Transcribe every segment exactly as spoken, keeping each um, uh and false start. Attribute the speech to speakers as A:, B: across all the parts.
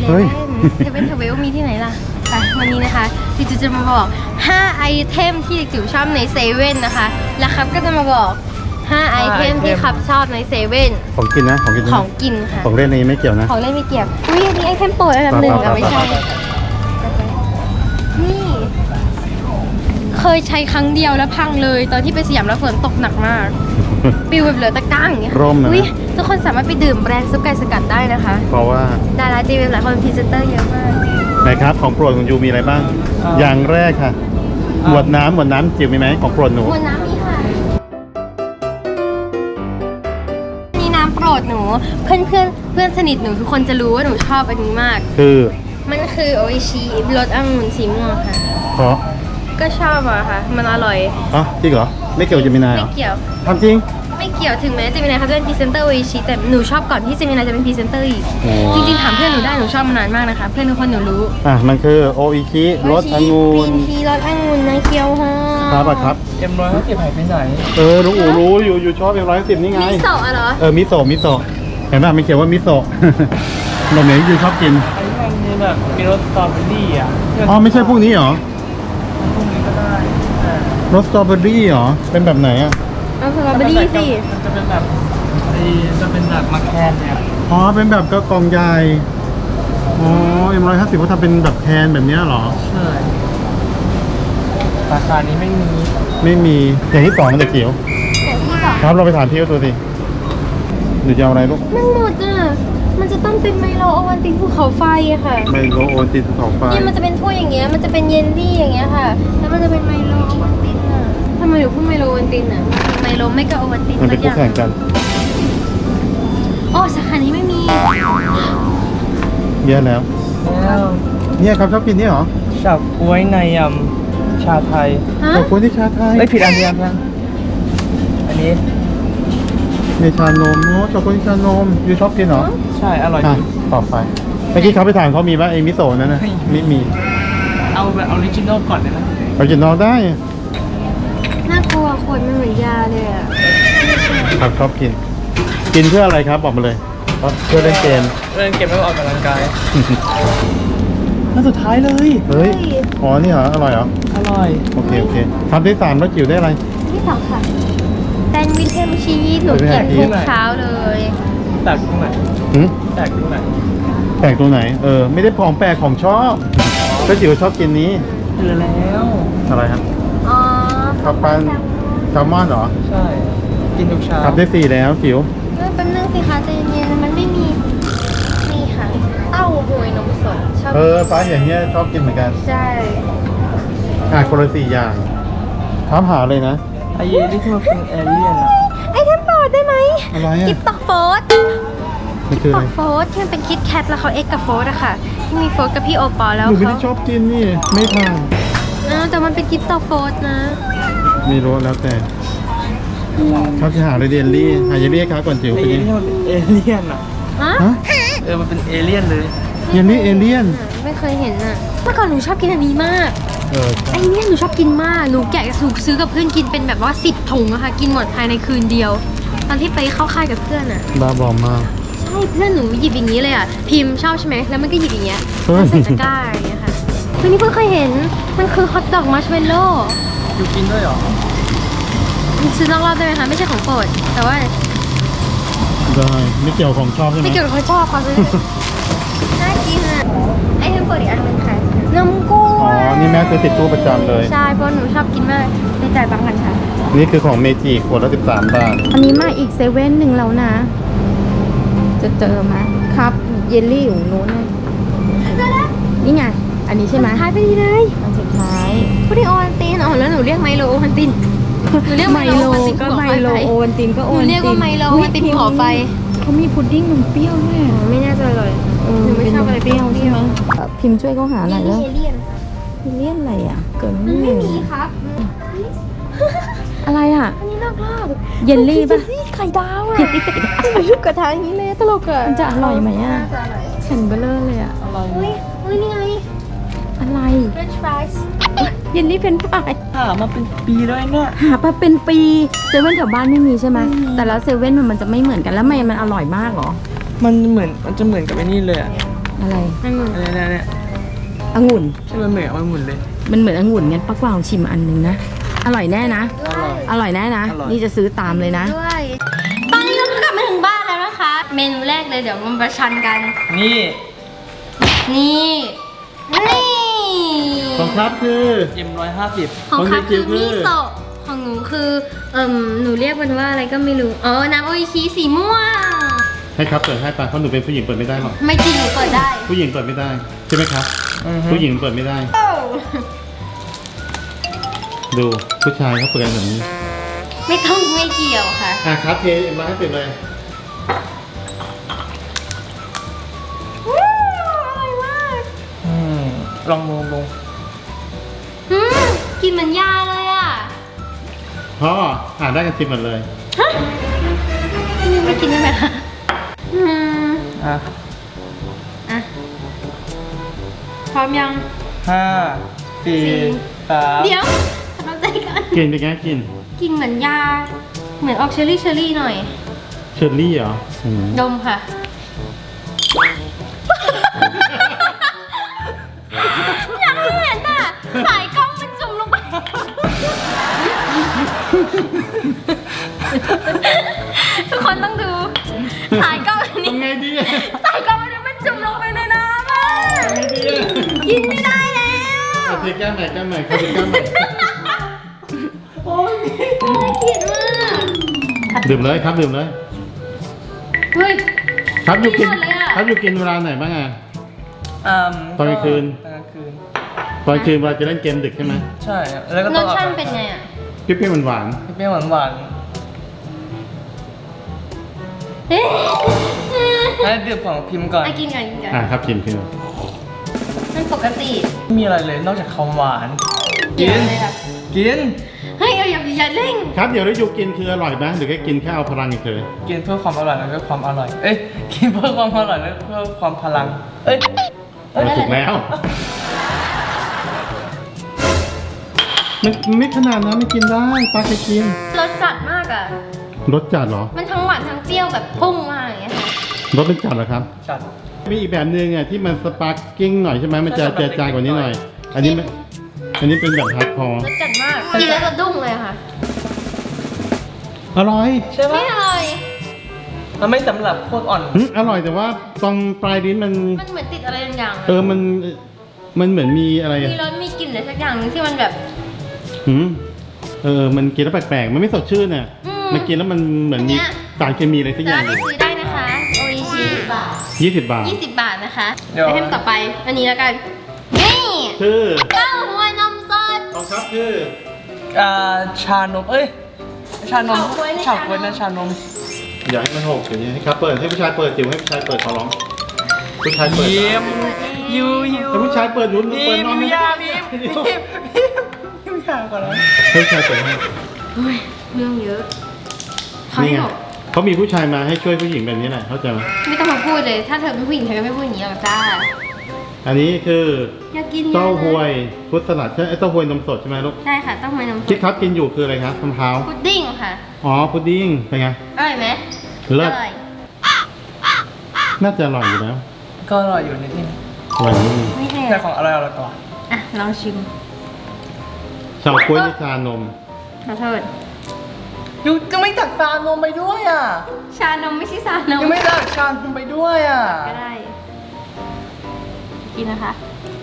A: เว่น
B: เซเว่นเทเวลมีที่ไหนล่ะไปวันนี้นะคะจิ๋วจะมาบอกห้าไอเทมที่จิ๋วชอบในเซเว่นนะคะแล้วครับก็จะมาบอกห้าไอเทมที่ครับชอบในเซเว่น
A: ของกินนะของกิน
B: ของกินค่ะ
A: ของเล่นนี้ไม่เกี่ยวนะ
B: ของเล่นไม่เกี่ยวอุ้ยอันนี้ไอเทมโปรดอันดับหนึ่งอะไม่ใช่นี่เคยใช้ครั้งเดียวแล้วพังเลยตอนที่ไปสยามแล้วฝนตกหนักมากปิวแบบเหลือตะกร้าอย่างเงี้ย
A: ร่มนะ
B: อุ้ยทุกคนสามารถไปดื่มแบรนด์ซุปไก่สกัดได้นะคะ
A: เพราะว่า
B: ดาราจีเว็บหลายคนพรีเซนเตอร์เยอะมาก
A: ไหนครับของโปรดของยูมีอะไรบ้าง อย่างแรกค่ะหมวดน้ำหมวดน้ำจิ๋วมีไหมของโปรดหนู
B: มวลน้ำนี่ค่ะนี่น้ำโปรดหนูเพื่อนเพื่อนเพื่อนสนิทหนูทุกคนจะรู้ว่าหนูชอบอันนี้มาก
A: คือ
B: มันคือโออิชิรสองุ่นสีม่วงค่ะ
A: เพราะ
B: ก็ชอบอะค่ะ มันอร่อย
A: อ๋อจริงเหรอไม่เกี่ยวกับเจมินายเหร
B: ไม่
A: อ
B: เกี่ยว
A: ทำจริง
B: ไม่เกี่ยวถึงแม้เจมินายเขาจะเป็นพรีเซนเตอร์โออิชิแต่หนูชอบก่อนที่เจมินายจะเป็นพรีเซนเตอร์อีก
A: โอ้
B: จริงๆถามเพื่อนหนูได้หนูชอบมานานมากนะคะเพื่อนทุกคนหนูรู้
A: อ่ะมันคือโออิชิรสองุ่
B: กรี
A: น
B: นทีรสองุ่นนะเคียวฮะ
A: ครับอะครับ
C: เอ็มร้อยห้าสิบหายไปไหน
A: เออลุงอูรู้อยู่อยู่ชอบเอ็มร้อยสิบนี่ไง
B: มิโซะอะเหรอ
A: เออมิโซะมิโซะเห็นป่ะไม่เขียนว่ามิโซะ เราเหมือนยูชอบกิน
C: ไอ้มันมีแบบมีรสสตรอเบอรี่อ่ะ
A: อ๋อไม่ใช่พวกนี้เหรอ
C: พวกนี้ก็ได้แต่
A: รสสตรอเบอรี่เหรอเป็นแบบไหนอ่ะ
B: เอาสตรอเบอรี่สิ
C: มันจะเป็นแบบไอ้จะเป็นแบบมาแคนเนี่ย
A: อ๋อเป็นแบบก็กล่องใหญ่อ๋อเอ็มร้อยห้าสิบเขาทำเป็นแบบแคนแบบเนี้ยเหรอ
C: ใช่ราคานี้ไม่มี
A: ไม่มีอย่างที่สองมันจะเขียว
B: อย่างที่สอง
A: ครับเราไปถามพี่เขาตัวสิหรือจะเอาอะไรลูก
B: มันหมดอ่ะ มันจะต้องเป็นไมโลโอวัลตินภูเขาไฟอะค่ะ
A: ไมโลโอตินภูเขาไฟ
B: เนี่ยมันจะเป็นถ้วยอย่างเงี้ย มันจะเป็นเยลลี่อย่างเงี้ยค่ะ แล้วมันจะเป็นไมโลโอวัลตินอะทำไมถึงพูดไมโลโอวัลตินอะไมโลไม่ก็โอวัลติน
A: มันเป็น
B: สั
A: คู่แข่งกัน
B: อ๋อสาขานี้ไม่มี
A: เยอะแล้ว
C: แล้ว
A: เนี่ยครับชอบกินนี่เหรอ
C: เฉาก๊วยในยำชาไทย
B: ฮะ
A: ขอบคุณที่ชาไทย
C: ไม่ผิดอันเดียวกันอันนี้
A: ในชานมโอ้ขอบคุณที่ชานมยูชอบกินเหรอ
C: ใช่อร่อย
A: อ่ะ
C: ดี
A: ต่อไปเมื่อกี้เขาไปถามเขามีว่าไอ้มิโซะนั่นนะไม่มี
C: เอาแบบออริจินอลก่อนเลยนะ
A: ไปกินนอกได้
B: น่ากลัวขวดมันเหมือนยาเลยอะ
A: ครับชอบกิน กินเพื่ออะไรครับบอกมาเลยเพื่อเล่นเกม
C: เล่นเกมแล้วออกกำลังกายแล้วสุดท้ายเลย
A: เฮ้ยอ๋อนี่เหรออร่อยเหรอ
C: อร่อย
A: โอเคโอเคทำที่สามแล้วจิ๋วได้อะไร
B: ที่สองค่ะแซนด์วิชเทมชีสหนูกินทุกเช้าเลย
C: แตกตรงไหน
A: หืม
C: แตกตรงไหน
A: แปลกตรงไหนเออไม่ได้ของแปลกของชอบก็จิ๋วชอบกินนี้
C: เจอแล้ว
A: อะไรครับ
B: อ๋อ
A: ข้าวปั้นแซลมอนเหรอ
C: ใช่ กินทุกเช้า
A: ทำได้สี่แล้วจิ๋ว
B: เออเป็นเรื่องสิคะใจเย็นๆมันไม่มีนี่ค่ะเต้าหวยนมสดชอบ
A: เออฟ้าอย่างเงี้ยชอบกินเหมือนกัน
B: ใช่
A: อ่ะคนละสี่อย่างถามหาเลยนะ
C: ไอ้ยี่ที่มันเป็นเอเลี่ยนอ่ะ
B: ไอเทมโปรดได้ไหม
A: อะไรอ่ะ
B: กิฟต์ตอกโฟส
A: นี่คือ
B: ต
A: อะ
B: อ
A: ไร
B: กโฟสที่มันเป็นคิดแคทแล้วเขาเอ็กกับโฟสอะค่ะ ที่มีโฟสกับพี่โอปอลแล้ว
A: หนูไม่
B: เขา
A: ได้ชอบกินนี่ไม่ทาน
B: เออแต่มันเป็นกิฟต์ตอกโฟสนะ
A: ไม่รู้แล้วแต่เขาจะหาอะไรเดนลี่หาเยลลี่ครับก่อนจิ๋ว
C: ไอ้
A: ไป
C: ยี่
A: ดิ
C: ที่มันเป็นเอเลี่ยนอ่ะ
B: ฮะ
A: ฮะ
C: เออ มันเป็นเอเลี่ยนเลย
A: เยลลี่เอเลี่ยน
B: ไม่เคยเห็นอะเมื่อก่อนหนูชอบกินอันนี้มาก
A: เออ
B: ไอเนี่ยหนูชอบกินมาก หนูแกะสูกซื้อกับเพื่อนกินเป็นแบบว่าสิบถุงอะค่ะ กินหมดภายในคืนเดียว ตอนที่ไปเข้าค่ายกับเพื่อนอะ
A: บ้าบอมาก
B: ใช่เพื่อนหนูหยิบอย่างนี้เลยอ่ะพิมพ์ชอบใช่ไหมแล้วมันก็หยิบอย่างเงี้ย
A: เฮ้ย
B: แล้วใส่ตะกร้าอย่างเงี้ยค่ะวันนี้เพิ่งเคยเห็นมันคือฮอทดอกมัชเมลโล่
C: อยู่กินด้วยเหรอ
B: ซื้อนอกรอบได้ไหมคะไม่ใช่ของโปรดแต่ว่า
A: ได้ไม่เกี่ยวของชอบใช่ไหม
B: ไม่เกี่ยวกับเขาชอบเขาซื้อน่ากินอ่ะไอเทมโปรดอีกอันหนึงค่ะนมกล้
A: อ๋อ
B: วย
A: นี่แม่ซื้อติดตู้ประจำเลย
B: ใช่เพราะหนูชอบกินมากในจ่ายบางกันค่ะ
A: นี่คือของเมจิขวดละสิบสามบาท
D: อันนี้มาอีกเซเว่นหนึ่งแล้วนะ จะเจอไหมครับ เยลลี่อยู่นู้นน่ะนี่ไง อันนี้ใช่ไหม
B: ท้ายไปดีเลย
D: อันสุดท้าย
B: พูดถึงโอวัลตินอ๋อแล้วหนูเรียกไมโลโอวัลตินหนูเรียก
D: ไม
B: ไมโล
D: โล
B: โอวัลติน
D: ก็
B: ภู
D: ไม
B: เขา
D: โล
B: ไฟ
D: โอวัลตินก็
B: ห
D: โอ
B: นู
D: วัลติน
B: เรียกว่าไมโลโอวัลตินภูเขาไฟ
D: เขามีพุดดิ้งนมเปรี้ยวด้วย
B: อ๋อไม่น่าจะเลย
D: เออ
B: หนูไม่ชอบอะไรเปรี้ยว
D: ใช่ไหมเอ่อพิมพ์ช่วยเขาหาหน่อยแล้ว
B: เอเลี่ยน
D: เลี่ยนอะไรอ่ะ เกิด
B: มัน
D: ไม่
B: ไม่
D: มี
B: มีครับ
D: อะไรอ่ะ
B: อันนี้นอกรอบ
D: เยลลี่ป่ะ
B: นี่ไข่ดาวอ่ะมันรูปกระทะอย่างนี้เลยตลกอ่ะ
D: มันจะอร่อยไหมอ่ะ
B: น่าจะอร่อย
D: แข็งเบลอเลยอ่ะ
C: อะไร
B: เฮ้ยเฮ้ยนี่ไง
D: อะไร
B: French fries
D: เยลลี่เป็นฝ่าย
C: หามาเป็นปีแล้วเนี่ย
D: หามาเป็นปีเซเว่นแถวบ้านไม่มีใช่ไหมแต่แล้วเซเว่นมันจะไม่เหมือนกันแล้วมันมันอร่อยมากเหรอ
C: มันเหมือน มันจะเหมือนกับไอ้นี่เลยอ่ะ
D: อะไร
B: องุ่น
C: เนี่ยเนี่ยเนี่ย
D: องุ่น
C: ใช่มันเหมือนมันหมุนเลย
D: มันเหมือนองุ่นงั้นป้ากวางชิมอันหนึ่งนะ อร่อยแน่นะ
C: อร่อย
D: อร่อยแน่นะ
C: อร่อย
D: นี่จะซื้อตามเลยนะ
B: ด้วยตอนนี้เราก็กลับมาถึงบ้านแล้วนะคะ เมนูแรกเลยเดี๋ยวมันประชันกัน
C: นี่
B: นี่ นี่
A: ของครับคือ
C: เอ็มร้อยห้าสิบ
B: ของครับ
A: ของเด็กจิ๋
B: คือ
A: วคือ
B: มิโซะของหนูคือเอ่มหนูเรียกมันว่าอะไรก็ไม่รู้อ๋อน้ำโออิชิสีม่วง
A: ให้ครับเปิดให้ปะเพราะหนูเป็นผู้หญิงเปิดไม่ได้หรอก
B: ไม่จริงหนูเปิดได้
A: ผู้หญิงเปิดไม่ได้ใช่ไหมครับ ผู้หญิงเปิดไม่ได้
B: โอ้
A: ดูผู้ชายเขาเปิดกันแบบนี้
B: ไม่ต้องไม่เกี่ยวค่ะ
A: อ่ะครับเทเอ็มร้อยให้เป็นเลย
B: ว้าวอร่อยมาก
C: อืมลองลองลอง
B: อืมกินเหมือนยาเลยอ่ะ
A: พ่ออ่านได้กันชิมหมดเลย
B: ฮะนี่ไม่กินได้ไหมคะอืม
C: อ่ะ
B: อ่ะพร้อมยัง
C: ห้าสี่
B: สี่
C: สาม
B: เดี๋ยวทำใจกัน
A: กินเป็นไงกิน
B: กินเหมือนยา เหมือนออกเชอรี่เชอรี่หน่อย
A: เชอร์รี่เหรออืม
B: ดมค่ะ อยากให้เห็นอ่ะ สายกล้องมันจุ่มลงไป ทุกคนต้องดู สายกล้องอันนี้
A: ทำไงดีอะ
B: สายกล้องอันนี้มันจุ่มลงไปในน้ำอ่ะ
A: ทำไงดีอะ
B: กินไม่ได้แล้ว
A: เอาเทแก้มใหม่แก้มใหม่ครับเทแก้มใหม่
B: โอ้ยน่าเกลียดมาก
A: ดื่มเลยครับดื่มเลย
B: เฮ้ย
A: ครับอยู่กิน
B: ไม่หมดเลยอะ
A: ครับอยู่กินเวลาไหนบ้างอะ
C: อืม
A: ตอนกลางคืน
C: ตอนกลางคืน
A: ตอนคืนเวลาจะเล่นเกมดึกใช่ไหม
C: ใช่ แล้วก็
B: ร
C: ต้อ
B: ส
C: ง
B: ชาติเป็นไงอ่ะ
A: เปรี้ยวๆหวาน
C: เปรี้ยวหวานหวาน
B: เอ๊ะ
C: ๆให้ดื่มของพิมพ์ก่อน
B: อ่ะกินก่อนกินก่อน
A: ๆอ่ะครับกินกิน
B: มันปกติ
C: ไม่มีอะไรเลยนอกจากความหวาน
B: เดี๋ยวเลยอะ
C: กิน
B: เฮ้ยเอาอย่าอย่าเร่ง
A: ครับเดี๋ยวแล้วอยู่กินคืออร่อยไหมหรือแค่กินแค่เอาพลังเฉย
C: กินเพื่อความอร่อยแล้วก็ความอร่อย เอ้ย กินเพื่อความอร่อยแล้วเพื่อความพลัง เอ้ย
A: ๆเอาถูกแล้วมันไม่ขนาดนั้นไม่กินได้ปลาเคยกิน
B: รสจัดมากอ่ะ
A: รสจัดเหรอ
B: มันทั้งหวานทั้งเปรี้ยวแบบพุ่งมากอย่างเงี้ยค่ะ
A: รสเป็นจัดเหรอครับ
C: จัด
A: มีอีกแบบหนึงอ่ะที่มันสปาร์กิ้งหน่อยใช่ไหมมันจะ
C: ใช่
A: เจือจางกว่านี้หน่อย อันนี้ไม่อันนี้เป็นแบบฮาร์ดคอร์
B: รสจัดมาก กินแล้วจะดุ้งเลยค่ะ
A: อร่อย
C: ใช่ไหม
B: ไม่อร่อย
C: มันไม่สำหรับพวกอ่อน
A: หึอร่อยแต่ว่าตรงปลายลิ้นมัน
B: มันเหมือนติดอะไรบางอย่าง
A: เออมันมันเหมือนมีอะไร
B: มี
A: อะ
B: รสมีกลิ่นอะไรสักอย่างหนึงที่มันแบบ
A: หืมเออมันกินแล้วแปลกๆมันไม่สดชื่นเนี่ย
B: อืม
A: มันกินแล้วมันเหมือนมี
B: อันเนี้ย
A: สารเคมีอะไรสักอ
B: สา
A: ย่าง
B: มารถไปซื้อได้นะคะ โออิชิ
A: ยี่สิบบาท
B: ยี่สิบบาทนะคะ
C: เดี๋ยว
B: ไอเทมต่อไป อันนี้แล้วกัน นี่
A: คือ
B: เต้าหู้นมสด
A: ของครับคือ
C: อ่าชานม เอ้ย ชานม
B: เฉาก๊วยใน
C: เฉาก๊วย
B: ชานม
C: นะชานม
A: อย่าให้มันหกอย่างนี้ให้ครับเปิดให้ผู้ชายเปิดจิ๋วให้ผู้ชายเปิดขอร้องผู้ชายเปิด
C: เยี่ยมยูยู
A: แต่ผู้ชายเปิดลุ้น
C: พิ
A: เปิด
C: ม
A: นอน
C: พ์
A: ไม่
C: ยา
A: ได้
C: พิมพ์พิมพ์พิมพ์พิมพ์ยาก่อนนะ
A: ให้ผู้ชายเปิดให้
B: เฮ้ยเรื่องเยอะเขา
A: นี่
B: ให้
A: ไง
B: บอก
A: เขามีผู้ชายมาให้ช่วยผู้หญิงแบบนี้แหละเข้าใจไหม
B: ไม่ต้องมาพูดเลย ถ้าเธอเป็นผู้หญิงเธอก็ไม่พูดอย่างนี้หรอกจ้า
A: อันนี้คือ
B: อยากกินเยอะนะ
A: เต้าหวยฟุตสลัดใช่ไหมเอ้ยเต้าหวยนมสดใช่ไหมลูก
B: ใช่ค่ะเต้าหู้นมส
A: ที่
B: ด
A: ครับกินอยู่คืออะไรครับมะพร้าว
B: พุดดิ้งค่ะ
A: อ๋อพุดดิ้งเป็นไง
B: อร่อยไหม
A: เลิศ
B: อร่อย
A: น่าจะอร่อยอยู่แล้ว
C: ก็อร่อยอยู่ในที่นี้
A: อร่อยนี่
B: ไม่แพง
C: แต่ของอร่อยอร่อยกว่า
B: อ่ะลองชิม
A: ชาวกล้วยในชานม
B: ขอโทษ
C: ยูจะไม่ตักชานมไปด้วยอ่ะ
B: ชานมไม่ใช่ชานม
C: ยังไม่ตักชานมไปด้วยอ่ะ
B: ก็ได้ กินนะคะ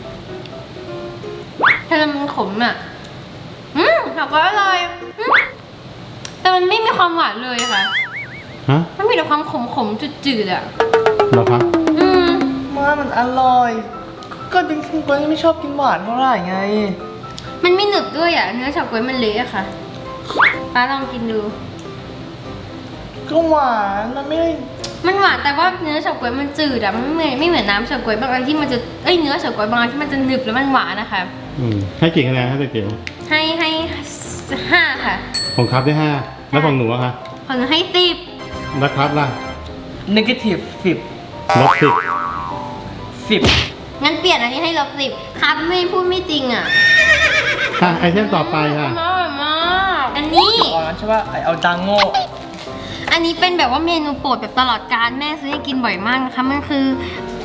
B: ถ้ามันขมอ่ะ อืมแต่ก็อร่อยอืมแต่มันไม่มีความหวานเลยค่ะ
A: ฮะ
B: มันมีแต่ความขมขมๆจืดๆอ่ะ
A: เหรอครับ
B: อืม
C: มามันอร่อย ก็จริงๆก็ไม่ชอบกินหวานเท่าไหร่ไง
B: มันไม่หนึบด้วยอ่ะ เนื้อเฉาก๊วยมันเละอะค่ะป้าลองกินดู
C: ก็หวานมันไม่ได้
B: มันหวานแต่ว่าเนื้อเฉาก๊วยมันจืดอะมันไม่เหมือนไม่เหมือนน้ำเฉาก๊วยบางอันที่มันจะ เอ้ยเนื้อเฉาก๊วยบางอันที่มันจะหนึบแล้วมันหวานนะคะ
A: อืมให้กี่คะแนนให้เก๋ว
B: ให้ให้ห้าค่ะ
A: ของครับได้ห้าแล้วของหนูอะคะ
B: ของหนูให้สิบ
A: แล้วครับล่ะ
C: negative สิบ
A: ลบสิบ
C: สิบ
B: งั้นเปลี่ยนอันนี้ให้ลบสิบครับไม่พูดไม่จริงอะ
A: ค่ะไอเทมต่อไปค่ะ
B: อร่อยมากอันนี้
C: ตอนนั้นใช่ป่ะไอเอาดังโง่
B: อันนี้เป็นแบบว่าเมนูโปรดแบบตลอดการแม่ซื้อให้กินบ่อยมากนะคะมันคือพุ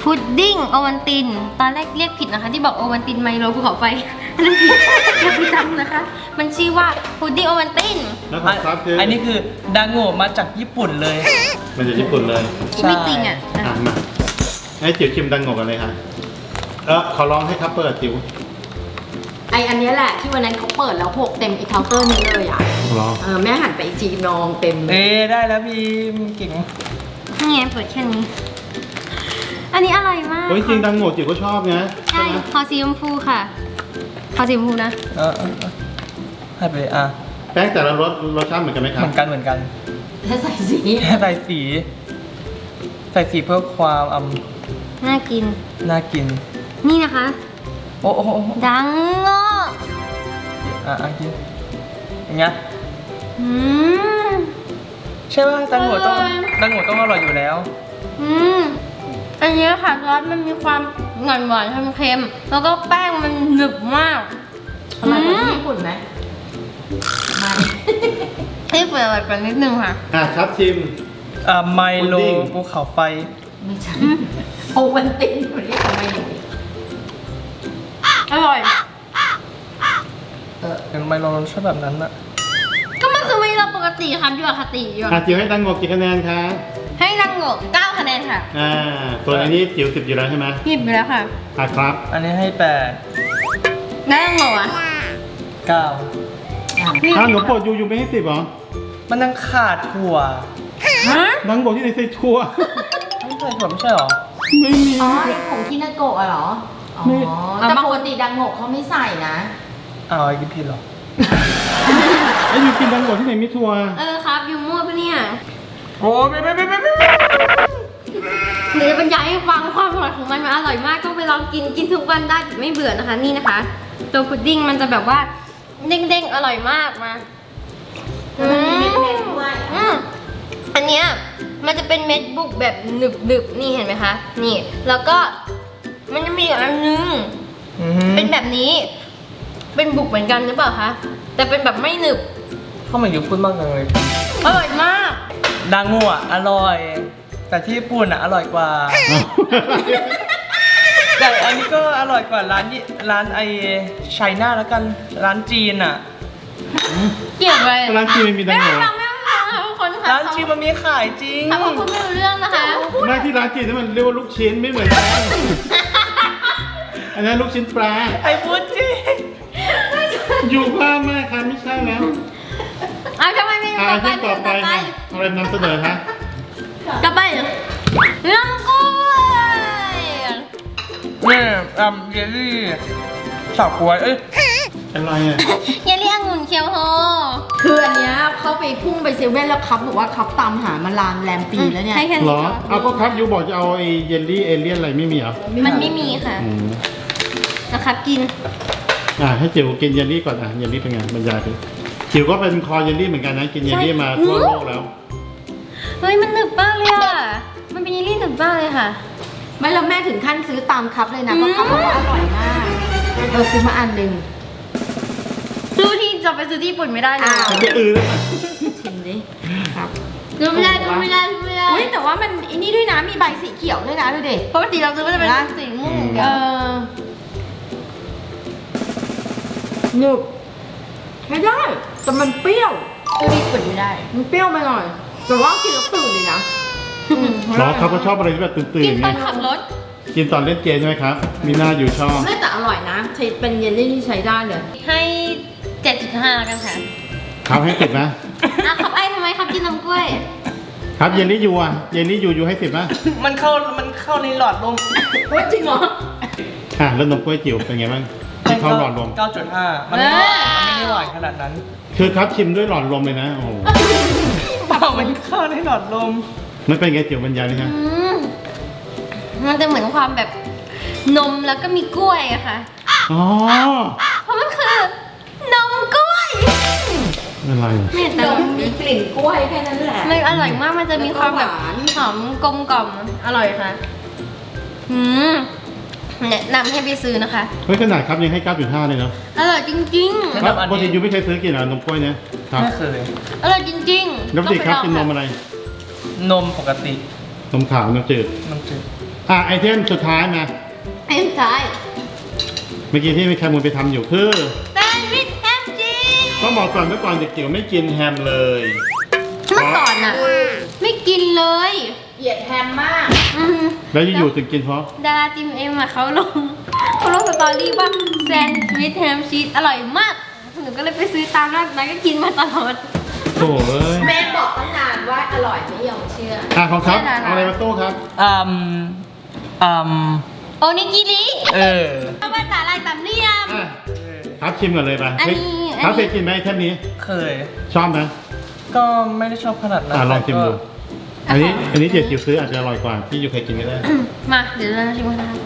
B: พุดดิ้งโอวันติน ตอนแรกเรียกผิดนะคะ ที่บอกโอวันตินไมโลภูเขาไฟเรียกผิดอย่าไปจำนะคะ มันชื่อว่าพุดดิ้งโอวันติน
A: แล้วของครับคือ
C: อันนี้คือดังโง่มาจากญี่ปุ่นเลย
A: มันจากญี่ปุ่นเลย
B: ไม่จริงอ่ะ
A: อ่ะมาให้จิ๋วชิมดังโงกันเลยค่ะเออขอร้องให้ครับเปิดจิ๋ว
D: ไออันเนี้ยแหละที่วันนั้นเขาเปิดแล้วหกเต็มอีเคาน์เตอร์นี้เลยอ่ะ
A: ร้อง
D: เออแม่หันไปอีกทีนองเต็มเลย
C: เอ้ได้แล้วพี่เก่ง
B: นี่ไงเปิดแค่นี้ อันนี้อร่อยมาก
A: เฮ้ยจริงดังโงจิ๋วก็ชอบนะ
B: ใช่ขอสีชมพูค่ะขอสีชมพูนะ
C: เออเออเออให้ไปเลยอ่ะ
A: แป้งแต่ละรสรสชาติเหมือนกันไหมค
C: เห
A: รับ
C: มือนกันเหมือนกัน
D: ถ้าใส่สี
C: แค่ใส่สี ใส่สีเพื่อความอืม
B: น่ากิน
C: น่ากิน
B: นี่นะคะ
C: โอ้โอ้โอ้
B: ดังโง่
C: อ่ะอ่ะกินอย่างเงี้ย
B: อืม
C: ใช่ป่ะดังโง่ต้อง
B: อร่อย
C: ดังโง่ต้องอร่อยอยู่แล้ว
B: อืมอันนี้ค่ะซอสมันมีความหวานหวานๆเค็มๆแล้วก็แป้งมันหนึบมาก
D: อร่อยกว่าที่ญี่ปุ่นไหมไม่
B: ที่เปิดอร่อยกว่านิดนึงค่ะ
A: อ่ะครับชิม
C: อ่าไมโล
A: พุดดิ้ง
C: ภูเขาไฟ
D: ไม่ใช่โอวันตินมันเรียกทำไมหนู
B: อร่อย
D: เออ
C: เป็นไมโลรสชาติแบบนั้นอะ
B: ก็มันคือไม่เราปกติครับอยู่อคติอยู่
A: อ่ะจิ๋วให้ดังโงกี่คะแนนคะ
B: ให้ดังโง่เก้าคะแนนค่ะ
A: อ่าส่วนอันนี้จิ๋วสิบอยู่แล้วใช่ไหม
B: หยิบไปแล้วค่ะ
A: อ่ะครับ
C: อันนี้ให้แปด
B: ได้ดังโง่อะ
C: เก้า
D: อ่ะ
A: อ้าวหนูโปรดยูยูไม่ให้สิบเหรอ
C: มันยังขาดถั่ว
B: ฮะ
A: ดังโงที่ไหนใส่ถั่ว
C: ไม่ใช่ถั่วไม่ใช่หรอ
A: ไม่มี
D: อ๋อไอ้ผงคินาโกะอะเหรอ อ๋อ
A: ไม่
D: แต่ปกติดังโงกเขาไม่ใส่นะ
C: อ้าวไอ้กินผิดเหรอ
A: ไอ้ยูกินดังโงที่ไหนมีถั่ว
B: เออครับอยู่มั่วปะเนี่ย
C: โอ้ไม่ไม่ไม่ไม่ไม่
B: หรือจะบรรยายให้ฟังความอร่อยของมันมันอร่อยมากต้องไปลองกินกินทุกวันได้ไม่เบื่อนะคะนี่นะคะ ตัวพุดดิ้งมันจะแบบว่าเด้งๆอร่อยมากมา
D: แล้วมันมีเม็ดๆด้วย
B: อืมอันเนี้ยมันจะเป็นเม็ดบุกแบบหนึบๆนี่เห็นไหมคะนี่ แล้วก็มันจะมีอีกอันนึง
C: อื้อหือ
B: เป็นแบบนี้ เป็นบุกเหมือนกันหรือเปล่าคะแต่เป็นแบบไม่หนึบ
C: เข้ามาอยู่พูดมากจังเลย
B: อร่อยมาก
C: ดังโง่อะอร่อย แต่ที่ญี่ปุ่นอะอร่อยกว่า แต่อันนี้ก็อร่อยกว่าร้านยี่ร้านไอไชน่าแล้วกันร้านจีนอะ
B: เกี่ยวอะไร
A: ร้านจีนไม่มีดังโง
B: ไม่ฟังไม่ฟังค่ะทุกคนค่ะ
C: ร้านจีนมันมีขายจริง
B: ถ้าคุณไม่รู้เรื่องนะคะ
A: ไม่ที่ร้านจีนนั่นมันเรียกว่าลูกชิ้นไม่เหมือนกันอันนั้นลูกชิ้นปลา
C: ไอ้พูดจริง
A: อยู่ภาพมากค่ะไม่ใช่แล้ว
B: เอาทำไมไม่
A: อ่า
B: ต่อไป
A: ที่ต่อไป
B: ต่อไป
A: ค่ะอะไรนำเสนอคะ
B: ต่อไปเรื่องกล้วย
C: นี่อืมเยลลี่ฉาบกล้วยเอ้ย
A: อะไรอ่ะ
B: เยลลี่องุ่นเคียวโฮ
D: คืออันเนี้ยเขาไปพุ่งไปเซเว่นแล้วครับบอกว่าครับตามหามานานแรมปีแล้วเนี่ย
B: ให้แค่
A: เหร
B: นี้
A: อ
B: ก่อน
A: เอาก็ครับยูบอกจะเอาไอ้เยลลี่เอเลี่ยนอะไรไม่มีเหรอ
B: มันไม่มีค่ะ
A: อืม
B: นะครับกิน
A: อ่าให้จิ๋วกินเยลลี่ก่อนอ่ะเยลลี่เป็นไงบรรยายดิจิ๋วก็เป็นคอเยลลี่เหมือนกันนะกินเยลลี่มาทั่วโลกแล้ว
B: เฮ้ยมันหนึบมากเลยอ่ะ มันเป็นเยลลี่หนึบมากเลยค่ะ
D: ไม่แล้วแม่ถึงขั้นซื้อตามครับเลยนะเพราะครับบอกว่าอร่อยมากเราซื้อมาอันหนึ่ง
B: ซื้อที่จะไปซื้อที่ญี่ปุ่นไม่ได้เลย
D: อ้าว
A: มันจะอือแล้ว
D: ชิมดิครับ
B: ซื้อไม่ได้ซื้อไม่ได้ซื้อไม่ได้
D: อุ้ยแต่ว่ามันอันนี้ด้วยนะมีใบสีเขียวด้วยนะดูดิ
B: ปกติเราซื้อก็จะเป็น
D: นะ
B: สีม่วงอย่าง
D: เอ
B: เดียว
D: อหนึบไม่ได้แต่มันเปรี้ยว
B: ซื้อที่ญี่ปุ่นไม่ได้
D: มันเปรี้ยวไปหน่อยแต่ว่ากินแล้วตื่นเลยนะ
A: เหรอเขาก็ชอบอะไรที่แบบตื่น
B: กิน
A: ๆ
B: ต
A: ไง
B: อนขับรถ
A: กินตอนเล่นเกมใช่ไหมครับ มีหน้าอยู่ชอบ
D: ไม่แต่อร่อยนะใช้เป็นเยลลี่ที่ใช้ได้เลย
B: ให้ เจ็ดจุดห้าแล้วกันค่ะ
A: ครับให้สิบนะ
B: อ่ะขับไอ้ทำไมครับกินน้ำกล้วย
A: ครับเยลลี่ยูอ่ะเยลลี่ยูยูให้สิบนะ
C: มันเข้ามันเข้าในหลอดลม
D: โอ้ยจริงเหรอ
A: อ่ะแล้วนมกล้วยจิ๋วเป็นไงบ้างที่เข้าหลอดลม
C: เก้าจุดห้ามันไม่มันไม่ได้หวานขนาดนั้น
A: คือครับชิมด้วยหลอดลมเลยนะโอ้โห
C: เปล่ามันเข้าในหลอดลม
A: มันเป็นไงจิ๋วบรรยายเลยฮะ
B: อืมมันจะเหมือนความแบบนมแล้วก็มีกล้วยอะค่ะ
A: อ๋อ
B: เพราะมันคือนมกล้วย
A: อะไร
B: เนี่ย
D: น
B: แต่
D: มมีกลิ่นกล้วยแค่นั้นแหละ
B: มันอร่อยมากมันจะมีความแบบ
D: แล้วก็หวาน
B: หอมกลมกล่อมอร่อยค่ะอืมแนะนำให้ไปซื้อนะคะ
A: เฮ้ยขนาดครับยังให้ เก้าจุดห้า เลยเนาะ
B: อร่อยจริง
C: แนะ
A: ครับ
C: นำอัน
A: ปกติ
C: นี้
A: ยูไม่เคยซื้อกินเหรอนมกล้วยเนี่ยครับ
C: ไม่เคย
B: ๆ อร่อยจริงๆ
A: แล้วปกติครับ
B: ต้
A: กิ
B: อง
A: น
B: ไป
A: น
B: ลอง
A: มอะไร
C: นมปกติ
A: นมขาวนมจืด
C: นมจืด
A: อ่ะไอเทมสุดท้ายมา
B: ไอ้สุดท้าย
A: เมื่อกี้ที่มีแคมูลไปทำอยู่คือ
B: แซนด์วิชแฮมชีส
A: ต้องบอกก่อนเมื่อก่อนเด็กจิ๋วไม่กินแฮมเลย
B: เมื่อก่อนอะไม่กินเลย
D: เหยียดแฮมมาก
B: อืม
A: แล้วอยู่ๆถึงกินเพราะ
B: ดาราทีมเอ็มอะเขาลงเขาลงสตอรี่ว่าแซนด์วิชแฮมชีสอร่อยมากหนูก็เลยไปซื้อตามร้านนั้นก็กินมาตลอด
A: โถ่เอ้ย
D: แม่บอกตั้งนานว่าอร่อยไม่ยอมเชื่อ
A: อ่ะของครับ
B: แค่นั้น
A: เอาอะไรมาตู้ครับ
C: อืมอืม
B: โอนิกิริ
C: เออ
B: เอาภาษาลายสามเหลี่ยม
A: อ่ะครับชิมก่อนเลยไป
B: อันนี้
A: เฮ้ยครับ
B: อันนี้
A: เคยกินไหมไอเทมนี้
C: เคย
A: ชอบไหม
C: ก็ไม่ได้ชอบขนาดนั้น
A: อ่ะลองชิมดู
C: แต่ก็
A: อันนี้อันนี้เด็กจิ๋วซื้ออาจจะอร่อยกว่าที่อยู่เคยกินก็ได้
B: อืมมาเดี๋ยวเราชิมกันนะคะ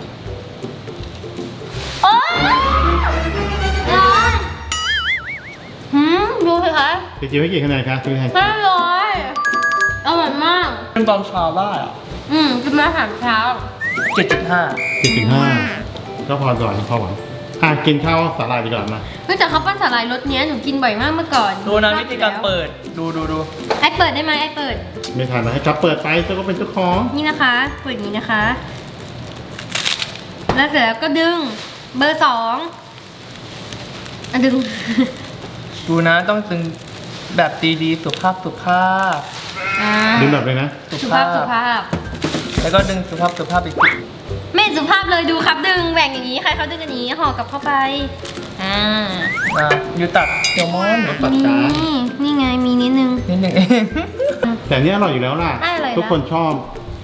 B: โอ๊ยร้อนหืมดูสิคะ
A: เด็กจิ๋วให้กี่คะแนนครับซื้อให้
B: อร่อยอร่อยมาก
C: เป็นตอนเช้าได้อะ
B: อืมกินมาอาหารเช้า
C: เจ็ดจุดห้า
A: เจ็ดจุดห้าก็พอก่อนพอหวังอ่ะกินข้าวสาหร่ายดีกว่ามา
B: เนื่องจากเขาปั้นสาหร่ายรสเนี้ยหนูกินบ่อยมากเมื่อก่อน
C: ดูนะวิธีการเปิด ดูดูดู
B: ไอเปิดได้ไหมไอเปิด
A: ไม่ทันนะให้ครับเปิดไปเจ้าก็เป็นเจ้าของ
B: นี่นะคะ เปิดอย่างนี้นะคะ แล้วเสร็จแล้วก็ดึง เบอร์สองอ่ะดึง
C: ดูนะต้องตึงแบบดีๆสุภาพสุภาพ
B: อ่า
A: ดึงแบบเลยนะ
B: สุภาพสุภาพ
C: แล้วก็ดึงสุภาพสุภาพอีกที
B: ไม่สุภาพเลยดูครับดึงแหว่งอย่างนี้ใครเขาดึงอย่างนี้ห่อกลับเข้าไปอ่า
C: นะอยู่ตัดเซลมอน
A: ตัด
B: นี่
A: จาน
B: นี่ไงมีนิดนึง
C: นิดหนึ่งเอง
A: แต่อันนี่อร่อยอยู่แล้วล่ะ
B: ได้อะไรนะ
A: ทุกคนชอบ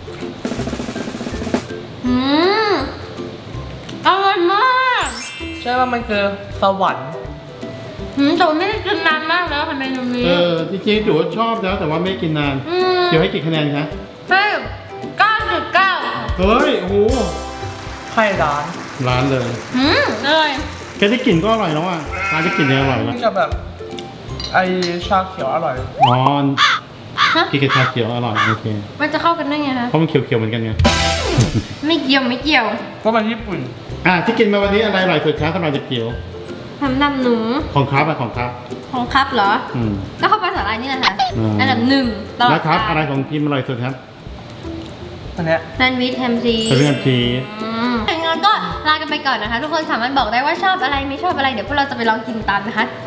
B: อืมอร่อยมาก
C: ใช่ว่ามันคือสวรรค์
B: อืมแต่ว่าไม่ได้กินนานมากแล้วค่ะเมนูนี้
A: เออจริงๆจิ๋วชอบแล้วแต่ว่าไม่กินนาน
B: อืม
A: จิ๋วให้กี่คะแนนคะ
B: ให้เก้าจุดเก้า
A: เฮ้ยโอ้โห
C: ไข่ร้าน
A: ร้านเลย
B: อืมอร่อย
A: แค่ที่กลิ่นก็อร่อยแล้วอ่ะร้านที่กลิ่นยังอร่อยแล้ว
C: นี่กับแบบ ไอชาเขียวอร่อย
A: อ๋อ
B: ฮะ
A: กินกับชาเขียวอร่อยโอเค
B: มันจะเข้ากันได้ไงคะ
A: เพราะมันเขียวๆเหมือนกันไง
B: ไม่เกี่ยวไม่เกี่ยว
C: เพราะมันญี่ปุ่น
A: อ่ะที่กินมาวันนี้อะไรอร่อยสุดครับสำหรับเด็กจิ๋ว
B: ทำดำหนู
A: ของครับอะของครับ
B: ของครับเหรอ
A: อืม
B: ก็เข้าไปสาหร่ายนี่แหละค่ะ
A: อืม
B: อันดับหนึ่งตลอด
A: แล้วครับ
B: กาล
A: อะไรของพิมอร่อยสุดครับ
C: อันเนี้ย
B: แซนด์วิชแฮมซี
A: เป็นเรื่องชีส
B: อืมงั้นก็ลากันไปก่อนนะคะ ทุกคนสามารถบอกได้ว่าชอบอะไรไม่ชอบอะไรเดี๋ยวพวกเราจะไปลองกินตามนะคะ